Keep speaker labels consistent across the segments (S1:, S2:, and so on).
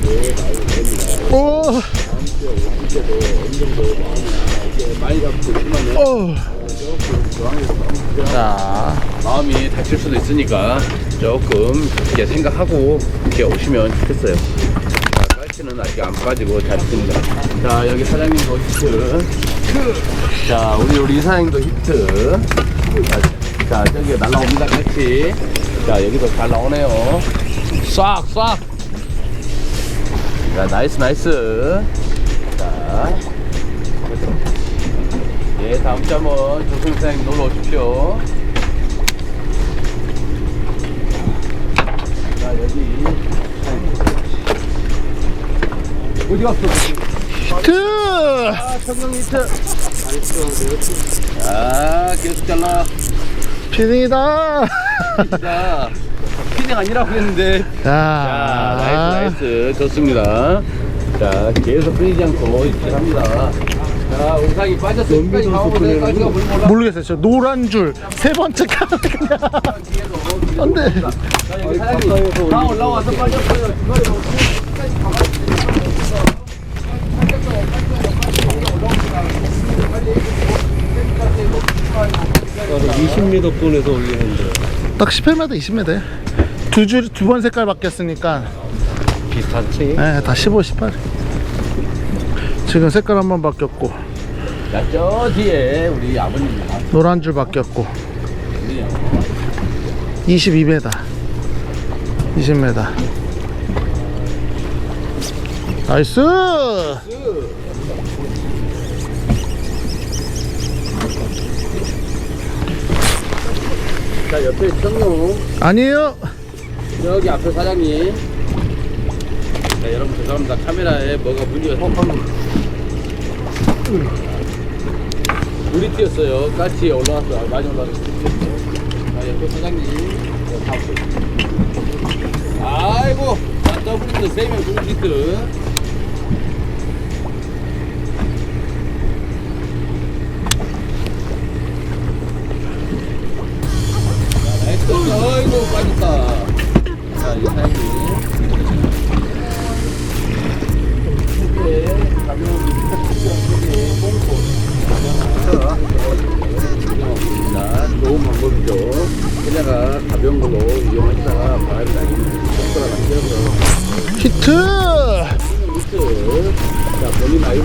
S1: 오.
S2: 자, 마음이 다칠 수도 있으니까 조금 이렇게 생각하고 이렇게 오시면 좋겠어요. 자, 깔치는 아직 안 빠지고 잘 있습니다. 자, 여기 사장님도 히트. 자, 우리 이사장님도 히트. 자, 저기 날라옵니다, 깔치. 자, 여기도 잘 나오네요. 싹, 싹. 자, 나이스. 자, 예, 다음 주 한번 조승 사장님 놀러 오십시오. 자, 여기 어디 갔어?
S1: 히트.
S2: 아, 청경 히트. 자, 계속 잘라.
S1: 피딩이다.
S2: 자, 피딩 아니라고 했는데. 자, 나이스. 좋습니다. 자, 계속 끊이지 않고 이렇게 합니다. 자, 우상이 빠졌어. 끝까지 가보세요. 깔치가 물 몰라.
S1: 모르겠어요. 저 노란 줄 세 번째 카드 그냥. 안돼.
S2: 자, 여기 사장님 다 올라와서 빠졌어요. 중간에 너무 끝까지 가봤어요.
S3: 20m 권에서 올리는데
S1: 딱 18m, 20m. 두 번 색깔 바뀌었으니까.
S3: 비슷하지?
S1: 네, 다 15, 18. 지금 색깔 한 번 바뀌었고,
S2: 자, 저 뒤에 우리 아버님입니다.
S1: 노란 줄 바뀌었고. 22m, 20m. 나이스.
S2: 자, 옆에 청룡.
S1: 아니에요.
S2: 여기 앞에 사장님. 자, 여러분 죄송합니다. 카메라에 뭐가 문제가 물이 튀었어요. 까치에 올라왔어. 많이 올라왔어. 자, 옆에 사장님. 아이고, 자, 더블히트 3명 더블히트. 아이고, 빠졌다. 자, 이 사장님. 좋은 방법이죠. 그녀가 가벼운 걸로 이용하시다가 바람이 나기는 속도가 남겨서
S1: 히트.
S2: 히트. 자, 본인 아이고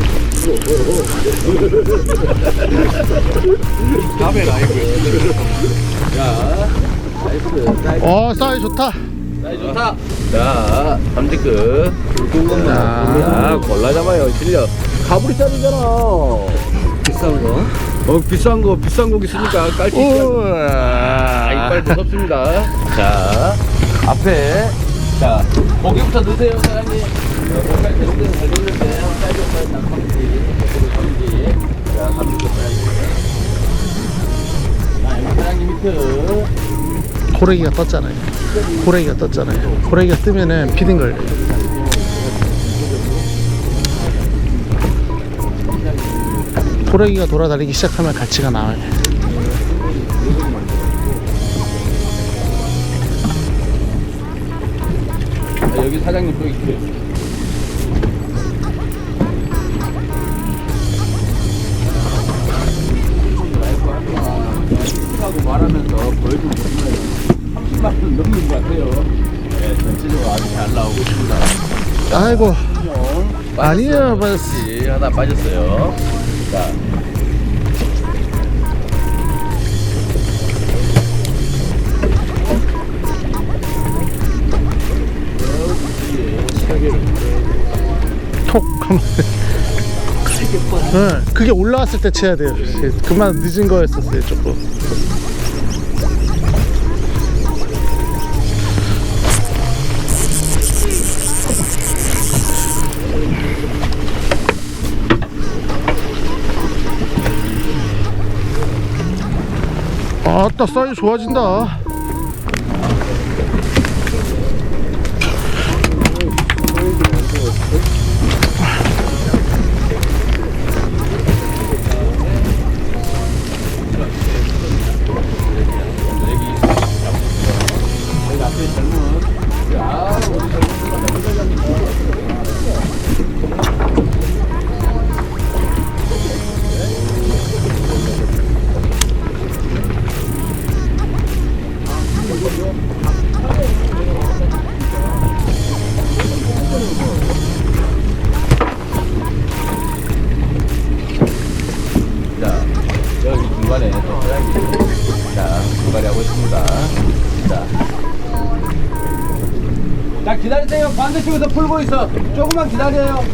S3: 다음에 라이브
S2: 자, 나이스.
S1: 사이즈 좋다.
S2: 사이즈 좋다. 자, 삼지급.
S1: 자,
S2: 골라 잡아요. 실력. 가브리 짜리잖아.
S3: 비싼 거
S2: 비싼 고기 있으니까 깔치. 이빨 무섭습니다. 자, 앞에. 자, 고기부터 넣으세요, 사장님. 고기할 때 넣으면 잘 넣는데, 사이즈부터 삼지. 자, 삼지도 사이즈. 자, 여기 사장님 밑에.
S1: 고래기가 떴잖아요. 고래기가 뜨면은 피딩 걸려요. 고래기가 돌아다니기 시작하면 갈치가 나와요.
S2: 자, 여기 사장님 또 있어요. 하고 말하면서 보여주고 있어요. 30만 원 넘는 것 같아요. 네, 전체적으로 아주 잘 나오고 있습니다.
S1: 아이고. 아니에요,
S2: 빠졌지. 하나 빠졌어요. 자.
S1: 톡 하면. 네, 그게 올라왔을 때 쳐야 돼요. 그만 늦은 거였었어요, 조금. 아따, 사이즈 좋아진다.
S2: 떼요. 반대쪽에서 풀고 있어. 조금만 기다려요.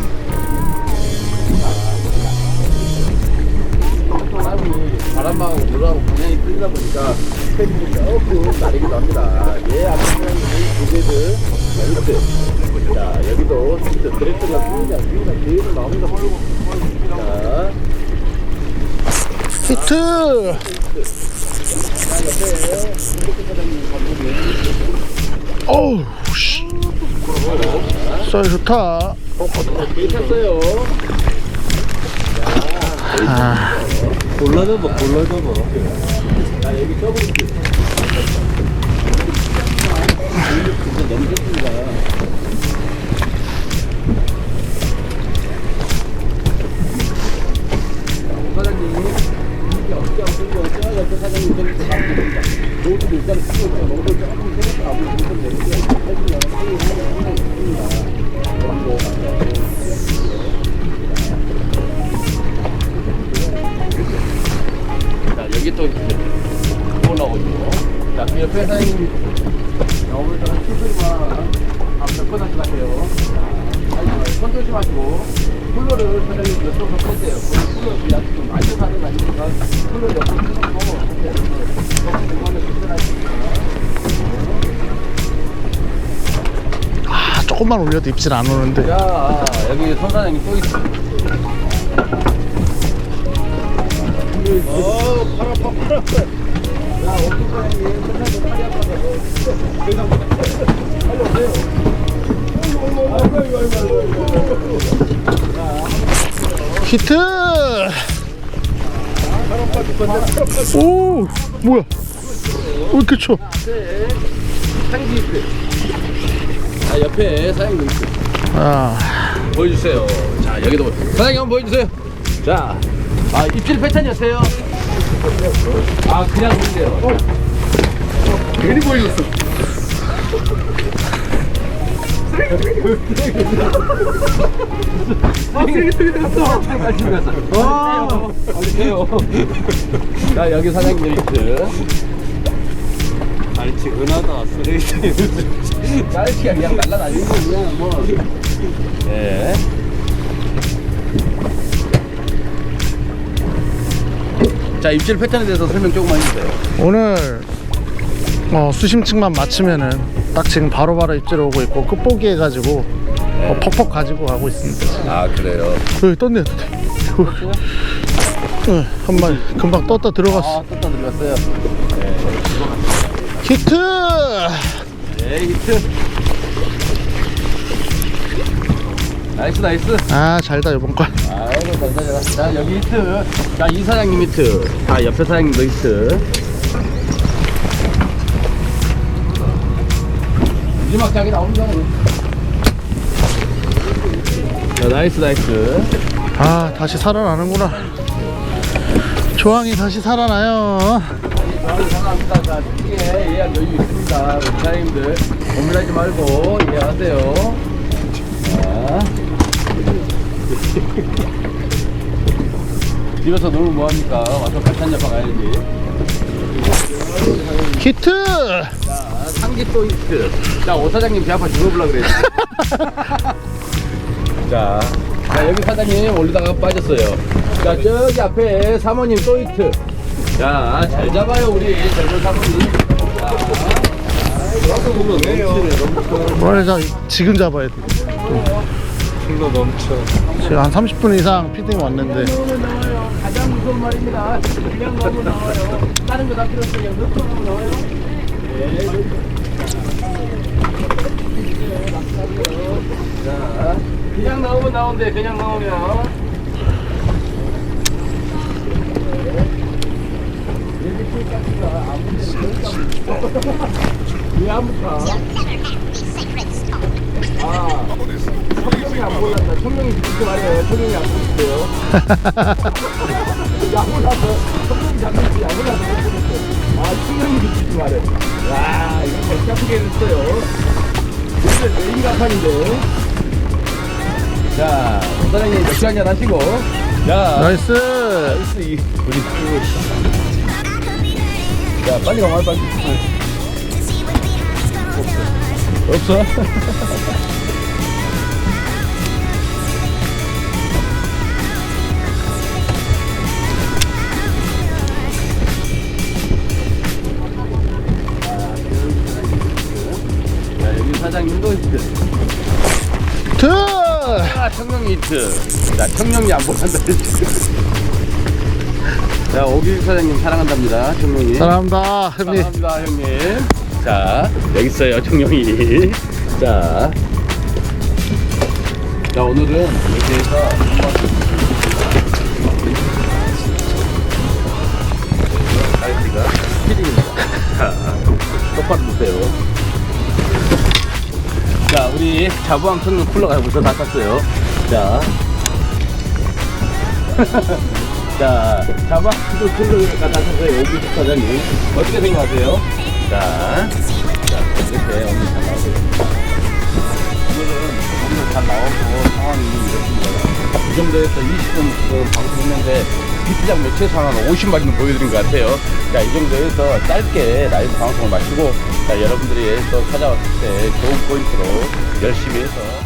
S2: 바람하고 물하고 방향이 틀리다 보니까 스탠딩이 조금 나리기도 합니다. 얘 앞에 고개들 히트. 자, 여기도 히트. 드래프트가 위가 계속 나옵니다. 자,
S1: 히트. 어우 씨. 썰 좋다.
S2: 괜찮어요.
S1: 아,
S3: 골라줘봐, 골라줘봐.
S2: 자, 여기 더블 히트. 진짜 너무 좋습니다. 사장님, 이게 어떻게 안 풀고 어쩌나 옆에 사장님 저렇게 나옵니다. 모두 일단은 쓰고 있죠. 너무 조금 생각하고 좀 내리게 해주면 상당히 있습니다. 자, 여기 또 나오죠. 자, 그 옆에 사장님 오늘 저는 수술만 몇 번 하실 것 같아요. 자, 손 조심하시고 쿨러를 사장님 옆으로 펴세요. 쿨러 위에 좀 많이 사는 거 아니니까 쿨러 옆으로 펴놓고 하세요. 조금 공간을 불편하시니까.
S1: 아, 조금만 올려도 입질 안 오는데.
S2: 자, 여기 손 사장님 또 있어. 팔 아파, 팔 아파. 야, 오픈 사장님, 손 사장님 팔이 아파서. 빨리 오세요.
S1: 히트. 오, 뭐야? 왜 이렇게 쳐?
S2: 상지 히트. 자, 옆에 사장님 있어.
S1: 아,
S2: 보여주세요. 자, 여기도 사장님 한번 보여주세요. 자, 입질 패턴이었어요. 그냥 보세요.
S1: 괜히 보여줬어.
S2: 쓰레기 갔어. 빨리 해요. 자, 여기 사장님 히트.
S3: 알치 은하다, 쓰레기.
S2: 깔치가 그냥 날라다니는 거 그냥 뭐. 네. 자, 입질 패턴에 대해서 설명 조금만 해주세요.
S1: 오늘 수심층만 맞추면은 딱 지금 바로바로 입질 오고 있고 끝보기 해가지고 퍽퍽 가지고 가고 있습니다.
S2: 그래요.
S1: 여기 떴네. 한 마리 금방 떴다 들어갔어.
S2: 떴다 들어갔어요.
S1: 히트.
S2: 네, 히트. 나이스, 나이스.
S1: 아, 잘다 이번 건.
S2: 아이고, 감사합니다. 자, 여기 히트. 자, 이 사장님 히트. 자, 옆에 사장님도 히트. 마지막 장이 나오는 거 자, 나이스, 나이스.
S1: 아, 다시 살아나는구나. 조항이 다시 살아나요.
S2: 감사합니다. 자, 특히에 예약 여유 있습니다. 우리 사장님들 고민하지 말고 예약하세요. 자. 집에서 놀면 뭐합니까? 와서 반찬 잡아 가야지.
S1: 히트.
S2: 자, 상기 또 히트. 자, 오 사장님 제 앞에 죽어보려고 그랬지. 자, 여기 사장님 올리다가 빠졌어요. 자, 저기 앞에 사모님 또 히트. 자, 잘 잡아요, 우리 젊은 사모님. 자,
S3: 나도 보면 넘치네,
S1: 뭐래, 지금 잡아야 돼.
S3: 힘도 넘쳐.
S1: 지금 한 30분 이상 피딩 왔는데.
S2: 나와요. 가장 무서운 말입니다. 그냥 넣으면 나와요. 다른 거 다 필요 없어요. 그냥 넣고 나와요. 네. 자, 그냥 나오면 나온대. 그냥 나오면. 왜 아무까? 청룡이 안 보인다. 청룡이 진짜 말이에요. 청룡이 안 보이세요? 야구라서 청룡이 잡는지 야구라서 못 보겠어요. 청룡이 진짜 말해. 와, 이거 잘 잡히게 했어요. 오늘 메인 간판인데. 자, 사장님 맥주 한잔 하시고. 자,
S1: 나이스.
S2: 우리 자, 빨리 가봐, 빨리. 없어?
S1: 트!
S2: 자, 청룡이 히트. 자, 청룡이 안 보란다. 자, 오길 사장님 사랑한답니다, 청룡이.
S1: 사랑합니다, 형님.
S2: 사랑합니다, 형님. 자, 여기 있어요, 청룡이. 자, 오늘은 이렇게 해서 사이즈가 스피딩입니다. 자, 똑바로 보세요. 자, 우리 자부함 청룡 쿨러가 벌써 다 탔어요. 자, 자, 자부함 청룡 쿨러가 다 탔어요. 오길 사장님. 어떻게 생각하세요? 자, 이렇게 오늘 잘 나오세요. 오늘 잘 나오고 상황이 이렇습니다. 이 정도에서 20분 방송했는데 비트장 매체 상황 50마리는 보여드린 것 같아요. 자, 이 정도에서 짧게 라이브 방송을 마치고 자, 여러분들이 또 찾아왔을 때 좋은 포인트로 열심히 해서